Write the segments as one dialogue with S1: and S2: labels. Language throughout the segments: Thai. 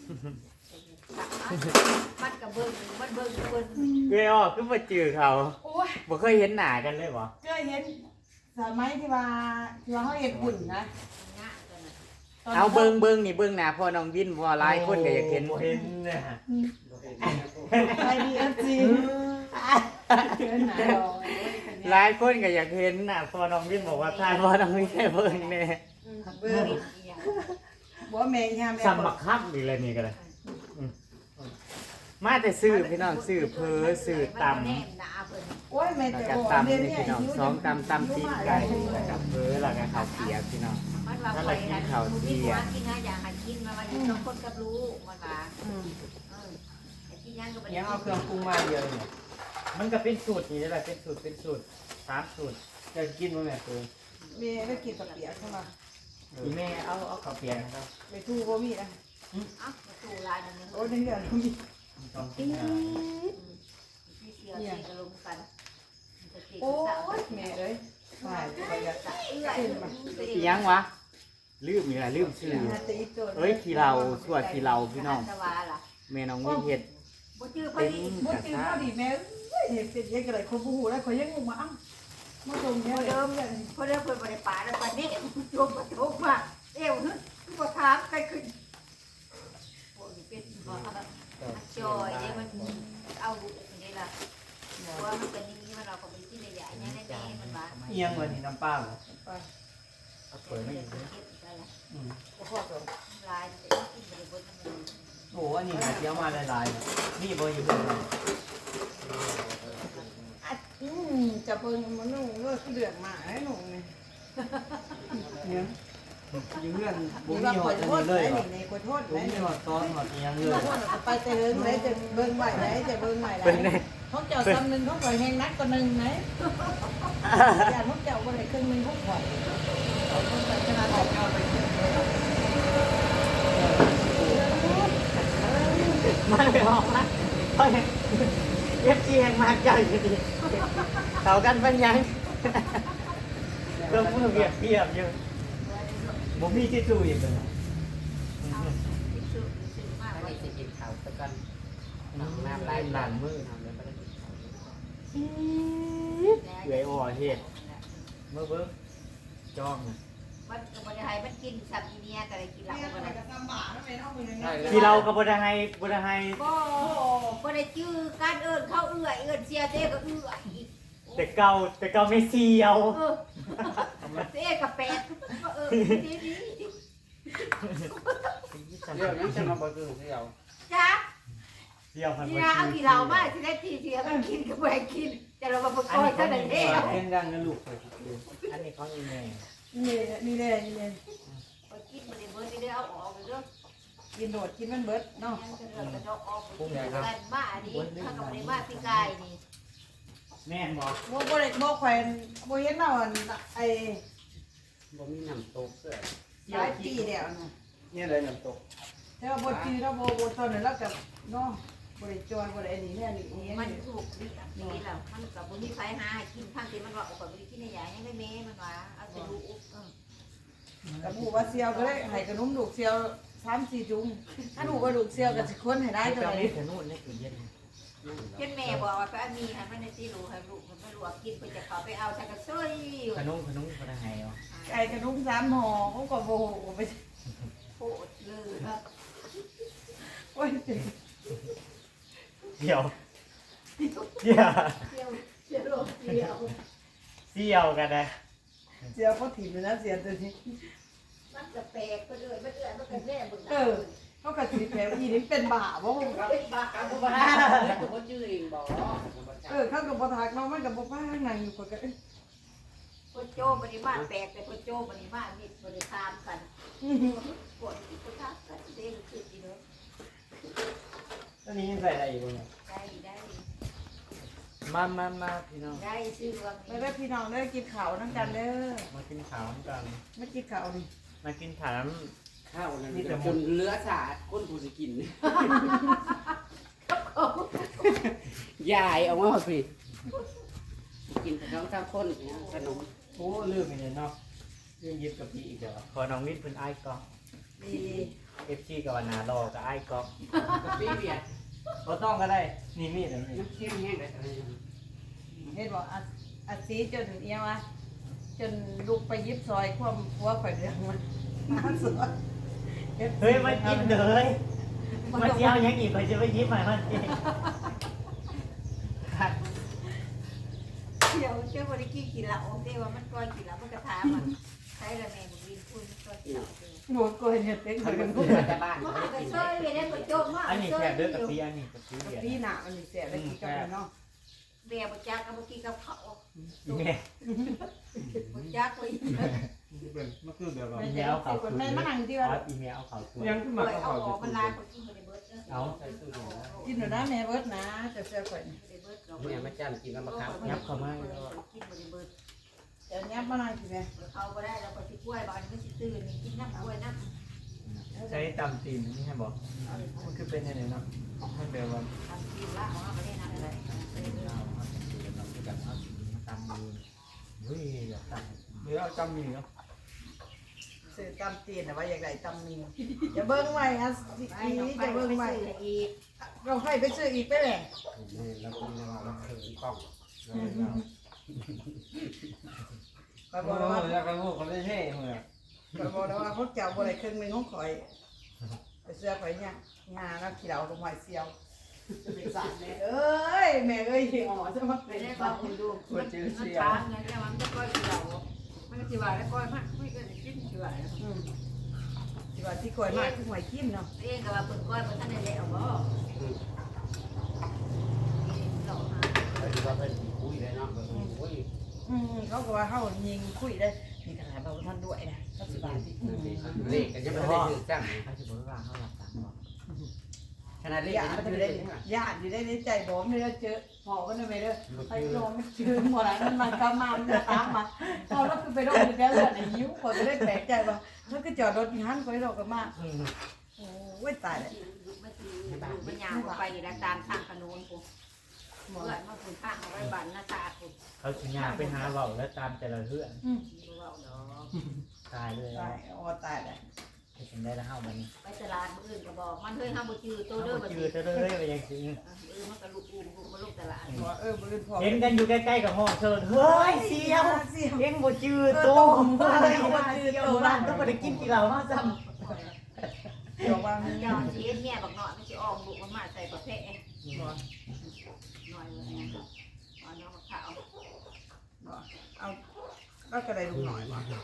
S1: มันกับเบิ้งมันเบิ้งเบิ้ง
S2: เอ้ยอ๋อคือมาจือเขา
S3: โอ้ย
S2: บ่เคยเห็นหน้ากันเลยบ่
S3: เคยเห็นสมัยที่ว่าเขาเห็นหุ่นนะ
S1: ง่ะกันนะ
S2: เอาเบิ่งนี่เบิ่งหน้าพ่อน้องวินบ่หลายคนก็อยากเห็น
S4: เห็นนะฮะ
S3: ไอดีเอฟซีเกินหนาดอย
S2: หลายคนก็อยากเห็นหน้าพ่อน้องวินบอกว่าทายพ่อน้องวินให้เบิ่งแน่
S3: เบิ้งบ่แม่ยามแม่
S2: สมักคับอีกแล้วนี่ก็ได้มาแต่ซื้อพี่น้องซื้อเพ้อซื้อตำ
S1: แน่นหนาเพิ่น
S3: โอ้ยแม่
S2: แล้ว
S3: แต่
S2: ก็
S3: บ่
S2: ตำ
S3: เรียน
S2: นี่
S3: เนี่ย
S2: พี่น้องสองตำตีนไก่แล้วก็เพ้อแล้วก็ข้าวเปียกพี่น้อง
S1: มันว่าคอยนะกินว่ากินนะอยากให้กินมาว่าอยู่ต้องคนกับรู้มันว่ากินยังก็บ่
S4: ยังเอาเครื่องปรุงมาเดียวเนี่ย
S2: มันก็เป็นสูตรนี่แหละเป็นสูตรสามสูตร
S4: จะกินบ่แม่ตัว
S3: แม่ได้กินกับเปียกใช่ป่ะ
S2: อีแม่เอาข้าวเปียกนะครับ
S3: ไปทู่บ่มีนะ
S1: เอ้าสู่ลายนั่นนึง
S3: โอ้ยนี่เดือดมี
S4: ต้องกินนะ
S1: ที่เสียที่กระลงกัน
S3: โอ้ยแม่เอ้ยตายไปแล้ว
S2: อีหยังวะลืมนี่แหละลืมชื่อเอ้ยขี้เราสวดขี้เราพี่น้องแม่น้องวิเฮ็ด
S1: บ่ชื่อพอ
S2: เต็ม
S1: ดี
S3: บ่
S2: กระ
S3: ตื่น
S2: ทะ
S3: พอดีแม่เห็นเป็นยังไงคนบ่ฮู้แล้วข่อยยังงงมาอ้าวมาส่งแม่เดิมเลย
S1: พอเดิมเพิ่นบ่ได้ป่าแล้วปานนี้โยมบ่ทุกมาเอวนึกบ่ถามใครขึ้นโอ้ยเป็นบ่จอยเด้มันเอานี่ล่ะว่ามันเป็นอย่างนี้มันเราก็เป็นที่ใหญ่ๆแน่ๆมันว่า
S4: เอียงวันนี้น้ำปลาเหรอ
S2: เอาเปิดไม่อีกเลย
S4: อืม
S3: บ่พอกับ
S1: ลายแต่กินบ่ได้เบิดมัน
S4: โอ้อันนี้หาเที่ยวมาหลายๆนะนี่บ่อยู่เพิ่น
S3: จะเบิ่งมันนุ่งเลิกเดือดมาให้หนุ่งนี่เนี่ย
S4: อยู่เพื่อนบ่
S3: นี่
S4: มี
S3: ว่า
S4: ห
S3: ข่
S4: อ
S3: อย
S4: ดอัน
S3: โทษ
S4: นี้
S3: ไห
S4: เล
S3: น
S4: ย
S3: นี่
S4: ว่ะ
S3: ข่อยโทษ
S4: บ่
S3: ไหน
S4: มี
S3: นี่
S4: หอดซ้อนหอดอีหยังเลย
S3: ไปแต่เฮิงไหนจะเบิ่งไหวไหนจะเบิ่งไหวไหน
S2: เป็นแน่
S3: เขาเจ้าซ้ำนึงเขาข่อยแห้งนักกว่านึงไหนอย่าเขาเจ้าบ่ได้ครึ่งนึงเขาข่อยเอาคนไปขนาดออกเอาไป
S2: มาเลยออกมาเฮ้ยเอฟซีแห่งมากใจอยู่ดีเต่ากันเป็นยังเริ่มมือเบียดอยู่บ่มีที่ตู้อีกเลย
S1: ซื้อมาก
S5: อัน
S1: ไว้
S5: นี้จะกินข้าวสักกันน้ำ
S2: ไล่
S5: ลาย
S2: หลังมือ
S5: น้ำเลยไม่ได้กินข้าว
S2: เอื่อยอ่อเฮ็ดเมื่อเบิ้งจ้อง
S1: มันก็บ่ได้ให้มันกินสับอีเนียก็ได้กินเหล้าก็ได้
S2: ที่เราก็บ่ได้ให้บ่ได้ให้
S1: บ่ได้จื้อการเอิ้นเขาเอื้อยเอิ้นเสียเด้ก็เอื้อยอีก
S2: แต่เก่าไม่เสียว
S1: เออเสียกับแปดดี
S5: เดี๋ยวนี้จะมาบอกเที่ยว
S1: จ้า
S2: เสียวพัน
S1: นี่นะเอากี่เหล้ามาสิได้ทีเสียก็กินก็บ่ให้กินแต่เราบ่ปล่อยเท่านั้นเอง
S4: เสียงดังนะลูก
S2: อันนี้ของอีแม่
S3: นี่แหละนี่แหละ
S1: บ่กินบ่ได้เบิดได้เอาออกเด้อ
S3: กินโดดกินมันเบิดเนาะ
S1: ยังจะเลิกกระดอกออกกันมาอันนี้ถ้าก็บ่ได้มาปีกายนี่
S2: แม่นบอก
S3: บ่ได้บ่แขวนบ่เห็นเนาะไอ้
S5: บ่มีน้ำตกเสื้อ
S3: หลายปีแล้วนะ
S4: นี่เลยน้ำตก
S3: แต่ว่าบ่จื้อแล้วบ่ตอนนั้นแล้วก็เนาะบ่ได้จอยบ่ได้อันนี้แน่นี่อีหยัง
S1: มัน
S3: นี่
S1: ถูกดีแล้วมันก็บ่มีไผหาให้กินทางที่มันว่าเอาไปบ่ได้กินใหญ่ยังได้แม่มันว่าเอาจะดู
S3: กับผู้ว่าเซียวก็ได้ให้ขนมลูกเซียว3-4จุงถ้าลูกว่าลูกเซียวก็สิคนให้ได้เท่า
S2: เจ้า
S3: ไหร่
S2: นี่ถึงนู่นนี่ถึงเย็น
S1: เช่นแม่บอกว่าก็มีให้มันได้สิรู้ให้ลูกมันไม่รู้กินเพิ่นจะเข้าไปเอาแต่ก็ซวยอยู่
S2: ขนมบ่ได้ให้เอา
S3: ไอ้ขนม3ห่อเขาก็บ่โหไป
S1: โคตรเลย
S3: โอ้ย
S2: เดี๋ยว
S1: เที่ยวเที่ยว
S2: เสียวกันนะ
S3: เซียวก็ถิ่มเลยนะเซียวตัวนี้
S1: มันจะแปลกไปเลยมันมันก็แน่บึง
S3: เขาก็สิแถวอีนี่เป็นบ้าบ่ฮู้ครับ
S1: เป็นบ้า
S5: ก็บ่ชื่อเองบอก
S3: เขาก็บ่ทักเนาะมันก็บ่พานั่งอยู่ก็
S1: คนโจปริมาแปลกแต่คนโจปริมามีบริตามกันกดคนทักกันเด้งขึ้นดีเนาะ
S4: ตอนนี้ยังใส่อะไรอยู่เนี่ย
S1: ได้
S2: มาพี่น้อง
S1: ได้ซื้อวัง
S3: ไปได้พี่น้องเด้อกินข้าวนำกันเด้อ
S2: มากินข้าวกัน
S3: มากินข้าวนี่
S2: มากินถาม
S5: ข้าวนั่นแต่คนเลือสาดคนผู้สิกินยายเอามาสิกินแต่น้องทั้งคนขนม
S4: โอ้ลืมไปเลยเนาะลืมหยิบกะปิอีกเดี๋ยว
S2: ขอน้องนิดเพิ่นอ้ายก่อน
S3: ดี
S2: FC กับหน้ารอกับไอ้ก๊อก
S5: ปีเบียด
S4: บ่ต้องก็ได้นี่มีดอันนี้
S5: น้ำเข้มแห้งเลย
S3: เฮ็ดบอกอาซีจนเอียวะจนลูกไปยิบซอยความหัวข่อยเรื่องมันมาสวย
S2: เฮ้ยมันกินเลยมันเที่ยวยังอีกมันจะไปยิ้มใหม่มันเอง
S1: เดี๋ยวเจ้าบริกี้กินเหล้าเจ้าว่ามันก้อยกินเหล้ามันกระทามันใช้ละแม่บุญคุณก้อยกินเหล้า
S3: หนูก็เห็นเต็ง
S5: เขา
S3: ข่อย
S5: เป็
S3: กัน น
S5: ผู้
S3: ทุก
S5: มาจากบ้าน
S1: มัน
S5: เขา
S1: ก็
S5: ได้กิน
S1: ซอยไปได้ก็โจมมาก
S2: อันนี้แซ่บเด้อกับปีอันนี้กับปีเดียว
S3: พี่หนามันนี่เสียแล้วกินกันเนาะ
S1: แม่บ่จักกับบ่กินกับเขา
S2: แม่
S1: บ่จักเลย
S4: มันคือแบบว่า
S3: ไม่ใช่เอาคนแม่มานั่งที่ว่า
S2: อีเมลเอาข่าวตัว
S4: ยังขึ้นมา
S1: เอา
S4: เขา
S1: ออกมันลายคนกินบ่ได้เบิด
S2: เอา
S3: กินหนูนะแม่เบิดนะจะเสียข่อย
S1: บ่ได้เบิดเรา
S5: เนี่ยมาจ้ำกินน้ำมะขาม
S2: ยับเข้ามา
S1: กินบ่ได้เบิด
S3: เดี๋ยวนี้มานั่งกินแม่
S1: เขาบ่ได้เราก็สิกล้วยบางมันสิตื่นกินน้ำกล้วยน้ำ
S4: ใช้ตำตีนนี่ให้บอกมันคือเป็นยังไงเนาะมันแบบว่า
S1: ทำกินละของเราบ่ได้นั่นอะไร
S2: ตามมือเฮ้ยอยากตาม
S4: หรือเอาจำมีเนาะ
S3: ซื้อตำตีนนะว่าอยากได้ตำมีจะเบิ้งใหม่อ่ะ
S1: ไอ้
S3: อี
S1: น้อง
S3: นี้
S1: ไป
S3: จะเบิ้งใหม่
S1: ซื้ออีก
S3: เราให้ไปซื้ออีกไปแหละ
S5: แล้วก็มีเราเขินกล้อง
S3: ไปบอกแล้วว่า
S4: แล้วก็ลูกเขาได้เท่เหมือน
S3: ไปบอกแล้วว่าเขาเจ้าบ่ได้ครึ่งหนึงของข่อยไปเสื้อข่อยเนี่ยงานแล้วขี้เหลาลงมาเสียวจะเป็นสารแม่เอ้ยแม่เอ้ยอ๋อจะมา
S1: ไป
S3: เป็น
S1: ได้
S3: สา
S1: ก็
S3: ร
S1: คุณดูมันช้าเงินเนี่ยมันจะก้อยกินเรามันก็สิว่าแล้วก้อยมากไม่ก็กินสิว่าแล้ว
S3: ที่ว่าที่ข่อยมากคือหวยกินเนาะ
S1: เองก็ว่าเพิ่นก้อยบ่ทันได้แล้วบ่เราหา
S5: คือว่าเป็นคุยเลยเนาะโอ้ย
S3: เขาก็ว่าเขายิงคุยได้มีขนาดเราท่านด้วยนะเขาสิบาทที่
S5: เลขกันจะไม่ได้ถือจ้ำ
S2: เขาจะบอกว่าเขาหลับตาบอก
S5: ขนาดเลข
S3: ญา
S5: กัน
S3: ติ
S5: จะ
S3: อ
S5: ไม่
S3: ยู่
S5: ได้
S3: ได้
S5: ถือ
S3: ญาติอยู่ได้ในใจบอกไม่ได้เจอพอก็ไม่ได้ไอ้โยมไม่เจอหมดแล้วมันก็มามันตามมาพอแล้วคือไปโดนแก้วเลยไอ้ยิ้วคนจะได้แปลกใจว่าแล้วก็จอดรถที่หันไปเราก็มาโอ้ยตายเลย
S1: มันยาวไปแล้วตามทางขนนพุ่นเมื่อมาพุ่นทางเอาไว้บ้านหน้าตาพุ่น
S2: เขาชิญาไปหาเบาแล้วตามแต่ละเรื่อง
S1: บ่เว้าดอก
S2: ตายเลย
S3: ตายอ๋อตายเลย
S2: จะเป็นได้แล้วเฮามัน
S1: ไปตลาดมื้ออื่นก็บอกมันเฮ้ยเฮาบ่จื้อโต
S2: เขา
S1: เด้อบัด
S2: จื
S1: นี้
S2: ดจะเลยไปยังจริง
S1: มันก็ลูกอุ้มลูกมาลูกตลาด
S3: บอกบริพอ
S2: เห็นกันอยู่ใกล้ๆกับห้องเชิญเฮ้ยเสียวเอ็งบ่จืดโตเฮ้ยบ่จืดโตบ้านต้องบ่ได้กินกี่เหล้ามาซ้ำ
S3: บอกว่า
S1: เจ้าสิเฮ็ดแม่บักน้อยมันสิออกลูกมันมาใส่ประเภทน้อยเลยนะเอาน้องมะขาว
S3: เอาแล้วก็ได้ลูกหน่อย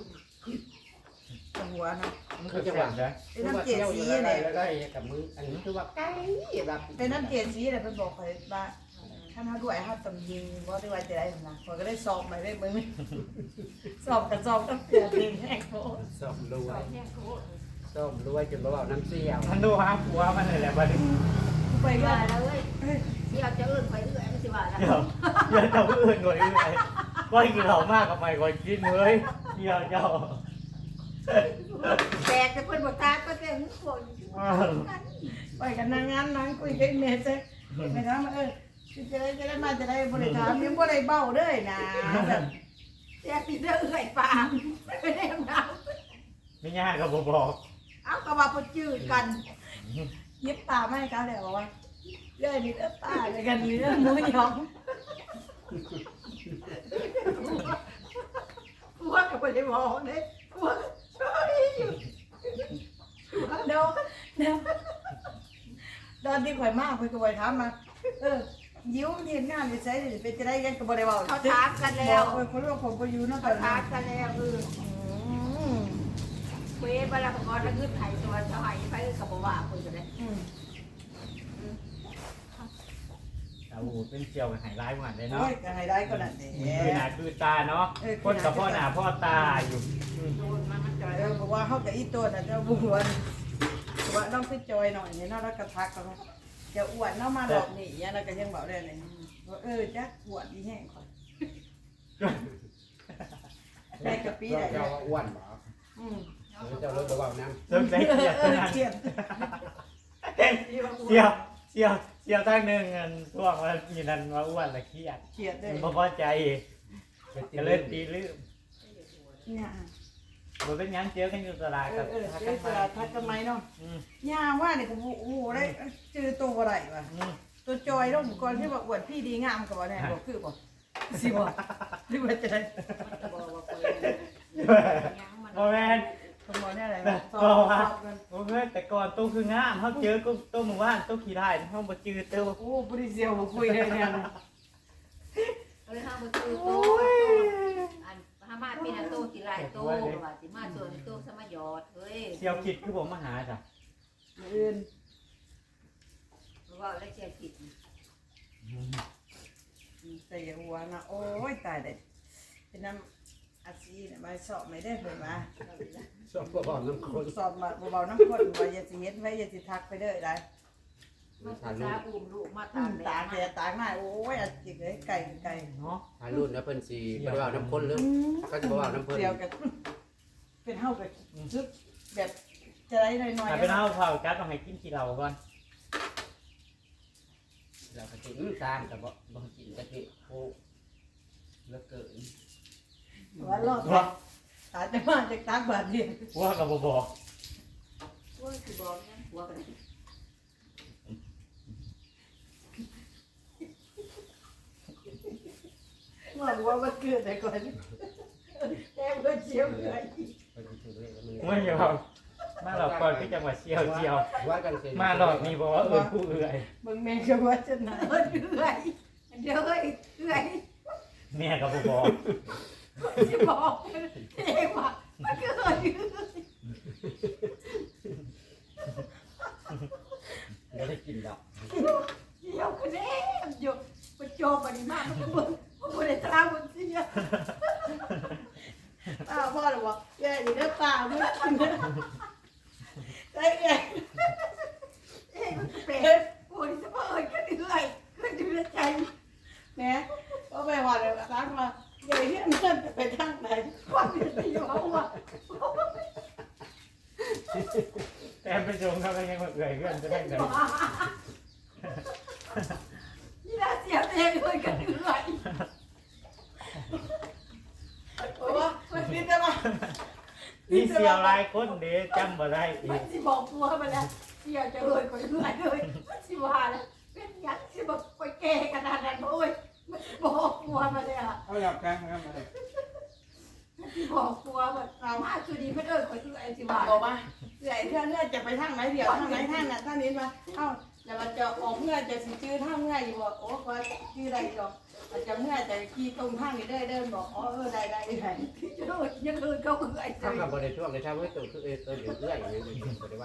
S3: หัวนะ
S2: มันคือจังหวะนะ
S3: เป็นน้ำเกล็ดสี
S5: อะไร
S3: เนี่ย
S5: แล้วก็กับมืออันนี้คือว่าใกล้แบบ
S3: เป็นน้ำเกล็ดสีอะไรเป็นบอกใครบ้างถ้าเขาด้วยเขาตำยิงว่าได้ไว้จะได้นะพอก็ได้สอบไปได้มึงสอบกับสอบกับเกลือเองแห้งโค
S5: ส้มรว
S1: ใส่
S5: ย
S1: แม่โคตร
S5: ส้มรวยจนว่าน้ำเสียว
S2: มันดูหาผัวมันเลยแหละบัดนี้
S3: ไป
S1: ไป
S3: ก็
S1: ว่าแล้วเอ้ยสิเอาจะเอิ้นไปเอื้อยมันสิว่าแล้ว
S2: เดี๋ยวเดี๋ยวเจ้าอื่นก่อนอื่นไอ้ก้อยกินเหล้ามากกับไม่ก้อยกินเลยเดี๋ยวเจ้า
S1: แต่จะเพิ่นบ่ตาก็แต่หึพวกกัน
S3: ไปกันนางงานนางคุยกันเมย์เจ๊ไม่ถามจะได้มาจะได้บริการยังบริเบ้าเลยนะแบบ
S1: แต่สิเด้อเอื้อยปาไม่ได้นำ
S2: ไม่ยากกับบอก
S1: เอาก็ว่าเพิ่นจื้อกัน
S3: ยิบตาไม่เขาเลยบอกว่าเรื่องนี้เรื่องตาเลยกันเรื่องมือยอง
S1: พวกก็บ่ได้บอกเด้พวกช่วยอยู่
S3: เดี๋ยวตอนที่ข่อยมากข่อยก็ไปถามมายิ้วเทียนงานไปใช้เป็นจะได้ยังกับบริเวณ
S1: เขาถามกันแล้ว
S3: คนรู้ว่าผมไปอยู่นอก
S1: เขา
S3: จาก
S1: ถา
S3: นั้น
S1: มกันแล้วคุยเวลาของก่อนแล้วงึดไทยตัวเท่าไหร่ไปก็บ่ว่าคุยกันเลย
S2: เอาเป็นเจียวกับไฮไลท์หวานเลย
S3: โอ้
S2: เนาะ
S3: ยไฮไลท์ก็นั่นเอง
S2: คือหนาคือตาเนาะคนกับพ่อหนาพ่อตาอยู่
S1: โดนมันจอย
S3: บอกว่าเขากับอีตัวน่ะจะบวนว่าน้องพี่จอยหน่อยเนี่ยน้องรักกระทักกันจะอ้วนน้องมาดอกนี่ยังแล้วก็ยังบอกได้เลยว่าจักอ้วนดีแห้งก่อนได้กะปิได้
S5: เจ้าอ้วนบ่เจ้ารถระวังน้ำ
S2: เริ่มใจเกลียดขนาด
S3: เทียน
S2: เสียวตั้งหนึ่งอันช่วงว่ามีนันว่าอ้วนละเครียด
S3: เทียนได้
S2: มันพอใจก็เล่นตีลืม
S3: เนี่ย
S2: บ่เป็นหยังเจอกันอยู่ตลาดกับ
S3: เจ๊ตลาดทักกันไหมเนาะย่าว่าเนี่ยกูโอ้โหได้เจอตัวอะไรวะตัวจอยต้องก่อนที่บอกอวดพี่ดีงามกับว่าแน่บอกคือบอกสิบอกหรือว่าจะได้
S1: บอกว่าไปยังมัน
S2: บ่แม่น
S3: คนบอกเนี่ยอะไร
S2: บ่ว่าบ่แม่นแต่ก่อนตู้คืองามเฮาเจอก็ตู้หมู่บ้านตู้ขี้ได้เฮาบ่จือตู้
S3: โอ้บริเซียวคุยเลยเนี่ย
S1: เลยห้ามประตูโตอันห้ามาเป็นอันโตสิหลายโตว่าสิมาส่วนโตสมัยยอดเฮ้ย
S2: เสี่ยวคิดคือผมมาหาจ้ะ
S3: อื่น
S1: เพราะว่าแล้วเชียร์ผิด
S3: ใส่หัวนะโอ้ยตายเลยเป็นน้ำอาซีเนี่ยมาสอบไม่ได้เลยมา
S5: ชอบบอกน้ำคน
S3: สอบมาเบาๆน้ำข้นว่าอย่าสิเฮ็ดไว้อย่าสิทักไปเด้อได้
S1: มันภาษาอุ้มลูกมาตาม
S3: ตาแก่ตาหน้าโอ้ยอาจิกเลยไก่ไก่
S2: เนาะ
S5: หารุ่นแล้วเพิ่นสิบ่ได้ว่าน้ำคนหรือก็จะบ่ว่าน้ำเพิ่น
S3: เดียวกันเป็นเฮากับซึกแบบจะได้หน่อย
S2: ถ้าเป็นเฮาเผาจัดต้องให้กินขี้เหล้าก่อน
S5: แล้วก็สิตามก็บ่กินกะทิโอ้แล้วเกิน
S3: ว่ารอดอาจจะมาจากตากบาดเดียว
S2: ว่าก็บ่บอก
S1: ว่าคือบอกนั่นหัวกัน
S3: ว่ามันเกิดแต่ก่อนแอบก็เจียวเลย
S5: ไปถึงเลยแล้วมัน
S2: ไม่ยอมมาหลอกก่อนคือจังหวัดเชียวเจียว
S5: ว่ากันสิ
S2: มาหลอกนี่บอกว่าเอิญผู้เอื่อย
S3: มึงแม่ก็ว่าจะไหน
S1: เฮ้ยเอื่อยเดี๋ยวเฮ้ยเอื่อย
S2: แม่ก็บ่บอก
S1: จะบอกเองว่ามันก็เฮ้ย
S5: เดี๋ยวได้กินดอก
S1: เดี๋ยวก็เด้อยู่ประโจมมันมากมันก็บ่ได้ตราบนเสีย
S3: ป้าพ่อหรอวะแกอยู่ในป่าไม่กินได้ไง
S1: เอ้มันเป็นโอ้ยสะเอิญก็เอื่อยก็ดูแลใจ
S3: แม่ก็ไปหอดเลยรักมาใหญ่ที่นั่นไปทางไหน
S1: ความเป็นอยู่เขาว่า
S2: แต่ไปชมเขาก็ยังเอื่อยเพื่อนจะได้ไง
S1: นี่น่าเสียเองเลยก็เอื่อย
S3: เพราะว่ามันคิดจะมา
S2: นี่เสียวหลายคนเด้จำบ่ได้อี
S1: มัน
S2: ก
S1: สิบอกตัวมาแล้วเสียจะเอ่ยก็เอื่อยเลยมันสิว่าแล้วเป็นยักษ์สิบอกไปแก่ขนาดนั้นโอ้ยมันสิบอกตัวมาเลยอ่ะ
S4: เอาหลับกันครับ
S1: มันสิบอกตัวว่าเรามาสุดีมันเอ่ยก็เอื่อยสิว่า
S3: บอกมาใหญ่เพื่อนเพื่อนจะไปทางไหนเดี๋ยวทางไหนทางน่ะทางนี้มาเอ้าจะมาจะออกเมื่อจะสิชื่อทางเมื่ออยู่บอกโอ้ก็ชื่ออะไรหรอกจะเมื่อจะขี่ตรงทางนี้ได้เดินบอกอ๋อได้ได้ได้
S1: ที่จะเอ่ยยังเอ่ยก็เอื่อย
S5: ถ้ากับบ่ได้ช่วงเลยถ้าเว้ยตัวคือเดี๋ยวเอื้อยอย่างนี้บ่ได้ว่า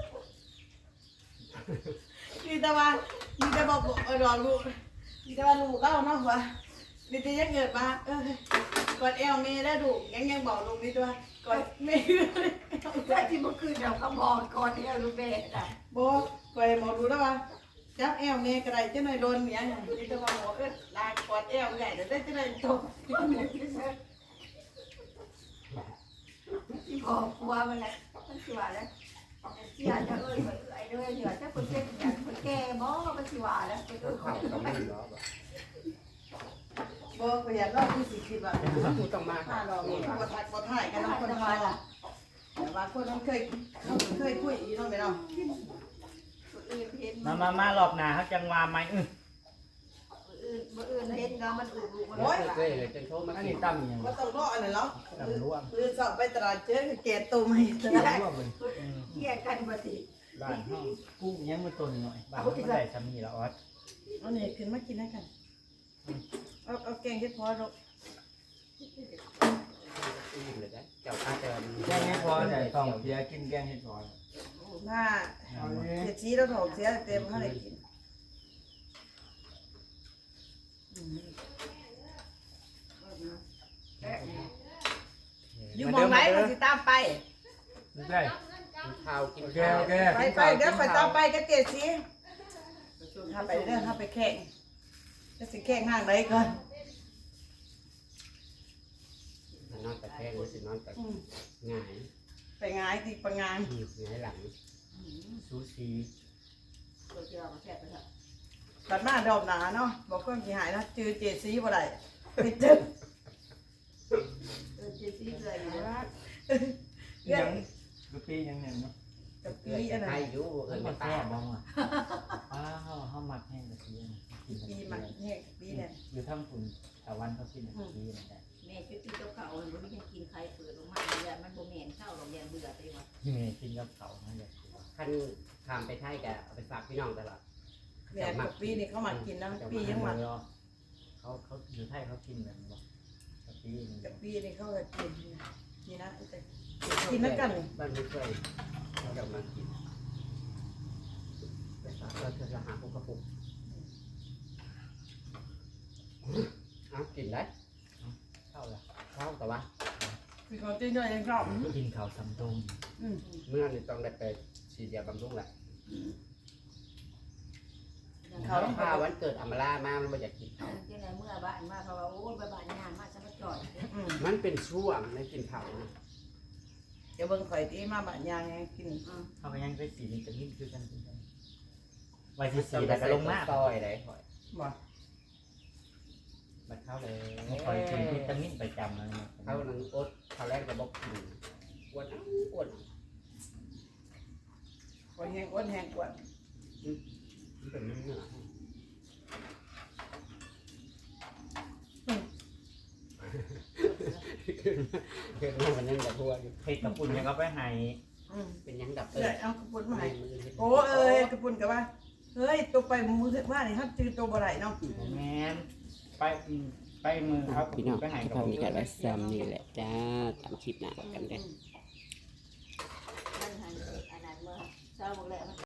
S3: มีแต่ว่ามีแต่บอกรอลูกมีแต่ว่าลูกเล่าเนาะว่ามีแต่ยังเกิดมากอดเอวเมย์ได้ลูกยังบอกลูกนี่ตัวกอดเมย์
S1: แต่ที่เมื่อคืนเราก็บอกก่อนที่เรารู้เบสอ่ะ
S3: บอกกอดหมอดูแล้วว่าจับเอวเมย์กระไรจะหน่อยโดนเมียอย่างนี้แต่ว่าหมอลากอดเอวใหญ่เดี๋ยวได้จะได้จบ
S1: ที่บอกกลัวมันแหละมันสิว่าแล้วเสียจะเอ่ยก็เอื่อยเลยเดี๋ยวถ้าคนเจ็บอย่างคนแก่บ่มันสิว่าแล้วไปเอ่ย
S5: เข้าก็ไม่รอบ่
S3: บอกไปอยากเล่าที่สิคิดว่า
S5: กูต้องมา
S3: ถ้าเราบทบทถ่ายกันน้องคนเราแต่ว่าคนนั้นเคยคุยอีน้องไปเนาะ
S1: คนอื่นเห็น
S2: มารอบหน้าเขาจังว่าไหม
S1: บ่อื่นเห็นก็มันอู่มัน
S5: โอ้ยเว้ยเลยจนโทรมา
S2: อัน
S5: กิ
S2: นี้
S5: น
S2: ตั้มยัง
S3: ว่าต้องรออะไรเนาะ
S2: ตั้มร่วม
S3: คือสอบไปตลาดเจอเกตตัวใหม่ตลาด
S2: ร่วมเลย
S1: เกี่ยกันบ่สิ
S2: บ้านห้องกุ้งยังมันตัวหน่อยบ้านมันได้สามีแล้วออส
S3: เอาเนี่ยขึ้นมากินให้กันเอาแกงเห็ดพอลูก
S5: เลยได้เจ้าข้าเจอ
S4: แกงเห็ดพอเนี่ยต้องเพียกินแกงเห็ดพอ
S3: หน้าเห็ดชี้แล้วถกเสียเต็มเขาเลยกินอยู่มองไหนเราสิตามไป
S2: ได้
S5: ข้าวกิน
S4: โอเค
S5: ข้าว
S4: โอเค
S3: ไปเดี๋ยวไปตามไปก็เจ็ดสิถ้าไปเรื่องถ้าไปแข่งจะสิแข่งห้างไหนก่อน
S5: นอนตะแคงหรือสินอนตะหงาย
S3: ไปงายที่ปังงาน
S5: หงายหลัง
S2: ซูชิ
S1: ตัวเดียวมาแซ่บไปเถอะ
S3: ตัดหน้าดอกหนาเนาะบอกคนกี่หายนะจือเจ็ดสีบ่ได้ไปเจอ
S1: เจซี่เลยอยู่ว่า
S4: ยังก็ปียังเนี่ยเนาะ
S3: กับปีอันนั้น
S5: ใครอยู่เอิ้น
S4: มั
S5: มาน
S4: แซ่
S5: ตา
S4: บบ้างอ่ะเขาหมักแห้งกะทิกิน
S3: ปีหมันแห้งปีเนี่ย
S4: อยู่ทั้งฝุ่นตะวันเขากินกะทินั่นแหละ
S1: แม่จุดที่เจ้าเขามันบ่มีให้กินใครเปิดออกมาเลยมันบ่แม่นเข้าหรอกอย่างเบื่อไปว่า
S4: ที่เมย์กินกับเขานั่นแหละ
S5: คันข้ามไปไทยก็เอาไปฝากพี่น้องตลอด
S3: แม่กับปีนี่เขามากินนะปียังมา
S4: เขาอยู่ไทยเขากินแบบนี้กะทิ
S3: กับปีนี่เขาก็กินนี่นะแต่กินแล้วกันนี่
S5: บ้านไม่เคยเราจะมากินแต่เราจะหาพวกกระปุกเอากินได้
S4: เข้าละ
S5: เข้าแต่ว่า
S3: คือเขาจิ้นด้วยยังชอบ
S4: กินข้าวซ้ำต้ม
S5: เมื่อนี่ต้องได้ไปฉีดยาบำรุงแหละ
S3: เขาต้อง
S5: พาวันเกิดอำมาลามามันไม่อยากกิน
S1: จังได๋เมื่อบ้านมาเขาว่าโอ้ยบ้านย่างมาซะมาจ่อย
S5: มันเป็นช่วงในกินข้าวนะ
S3: เดี๋ยวเบิ่งข่อยตีมาบ้านยางไงกิน
S4: เขาก็ยังได้สีวิตามินคือกันไว้ที่สีแล้วก็ลงมาก
S5: ซอยได้หอย
S3: บ่
S5: มาเข้าเลย
S4: คอยกินวิตามินประจำเลย
S5: เข้านังอดเข้าแรกจะบอกกินอ้วนอ้วน
S3: ข่อยแห้งอ้วนแห้งกว่า
S5: มันเป็นเนื้อเกิดมามันยังกับทั่วอยู่
S4: เผ็ดกับปุ่นยังก็ไปให้
S5: เป็นยังดับ
S3: เดี๋ยวเอากระปุนมาให้
S5: มือเห็ด
S3: โอ้เอ้ยกระปุนกับว่าเฮ้ยตัวไปมือว่านี่ถ้าจือตัวบ่ได้เนาะ
S4: แมนไปมือครับ
S5: พี่น้อง
S4: ไปให้
S5: ที่
S4: กับ
S5: พามีกันไว้ซ้ำนี่แหละจ้าตามคลิปหน้ากันเด้อ
S1: มันหันอันนั้นเมื่อเช้าบอกแล้ว